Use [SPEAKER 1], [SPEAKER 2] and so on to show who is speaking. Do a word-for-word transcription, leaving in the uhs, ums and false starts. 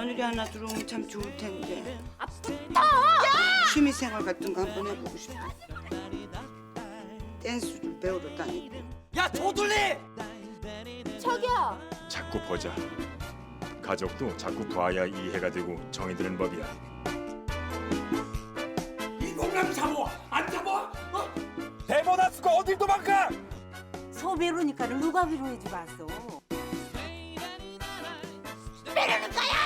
[SPEAKER 1] 며느리 하나 들어오면 참 좋을 텐데. 아프다. 취미생활 같은 거 한번 해보고 싶어. 댄스를 배우러 다니고.
[SPEAKER 2] 야 조둘리!
[SPEAKER 3] 저기요.
[SPEAKER 4] 자꾸 보자. 가족도 자꾸 봐야 이해가 되고 정이 드는 법이야.
[SPEAKER 2] 이 공감 잡어! 안 잡어? 어? 대보다 쓰고 어딜 도망가!
[SPEAKER 5] 소비로니까를 누가 위로해주고 왔어?
[SPEAKER 3] 빼려는 거야.